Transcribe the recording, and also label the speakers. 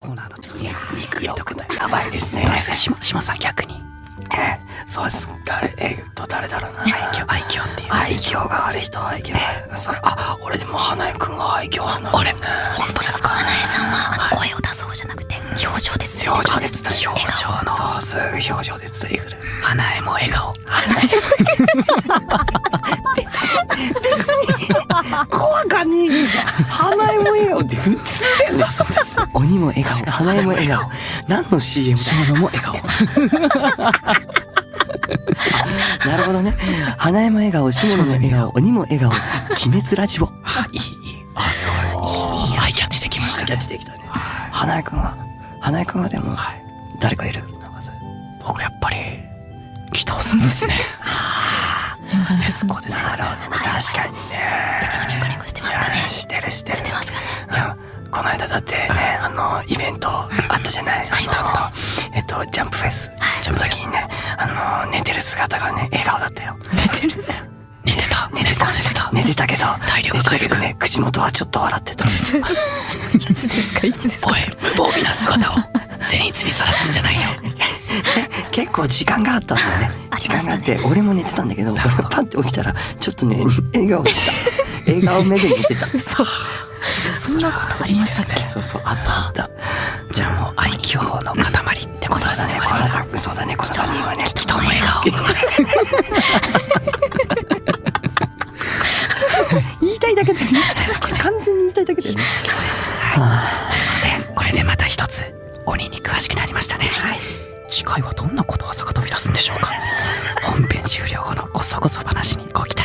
Speaker 1: コーナーのちょっと肉入れとくと
Speaker 2: やばいですね。
Speaker 1: どうですか、島さん逆に。
Speaker 2: そうです。誰だろうな。
Speaker 1: 愛嬌っていう。
Speaker 2: 愛嬌がある人は愛嬌がある。それ、俺でも花江くんは愛嬌派なの。
Speaker 1: 俺、本当ですか。
Speaker 3: 花江さんは声を出そうじゃなくて表情で伝えて
Speaker 2: 表情で伝える。
Speaker 1: 表情の。
Speaker 2: そう、すぐ表情で伝えてくる。
Speaker 1: 花江も笑顔。
Speaker 2: 怖かねえ。花江も笑顔って普通だよね。そうです。鬼も笑顔、花江も笑顔。何の CM だ。
Speaker 1: 島野も笑顔。
Speaker 2: なるほどね。花江も笑顔、下野も笑顔、鬼も笑顔。鬼滅ラジオ。いい。
Speaker 1: すごい。いいアイキャッチできましたね。
Speaker 2: 花江くんはでも、誰かいる？
Speaker 1: 僕やっぱり紀藤さんですね。
Speaker 3: 順番です。
Speaker 1: そうです。
Speaker 2: なるほどね。確かにね。
Speaker 3: いつもニコニコしてますかね。
Speaker 2: してる。
Speaker 3: してますかね。
Speaker 2: この間だってね、イベントあったじゃない。ジャンプフェス。ジャンプ時にね、寝てる姿がね、笑顔だったよ。寝てたけど、
Speaker 1: 体力回復
Speaker 2: ね、口元はちょっと笑ってた。
Speaker 3: いつですか。
Speaker 1: おい、無防備な姿を善逸にさらすんじゃないよ。
Speaker 2: 結構時間があったんだよね。時間があって、俺も寝てたんだけど、俺がパンって起きたら、ちょっとね、笑顔だった。笑顔目で寝てた。
Speaker 3: 嘘。そんなことありましたっけ？
Speaker 2: そう、あった。
Speaker 1: じゃあもう愛嬌の塊ってことですね。
Speaker 2: そうだね、この3人はね。
Speaker 1: 人も笑顔。
Speaker 2: 言いたいだけだよね。完全に言いたいだけだよね。
Speaker 1: これでまた一つ鬼に詳しくなりましたね。次回はどんなことわざが飛び出すんでしょうか。本編終了後のこそこそ話にご期待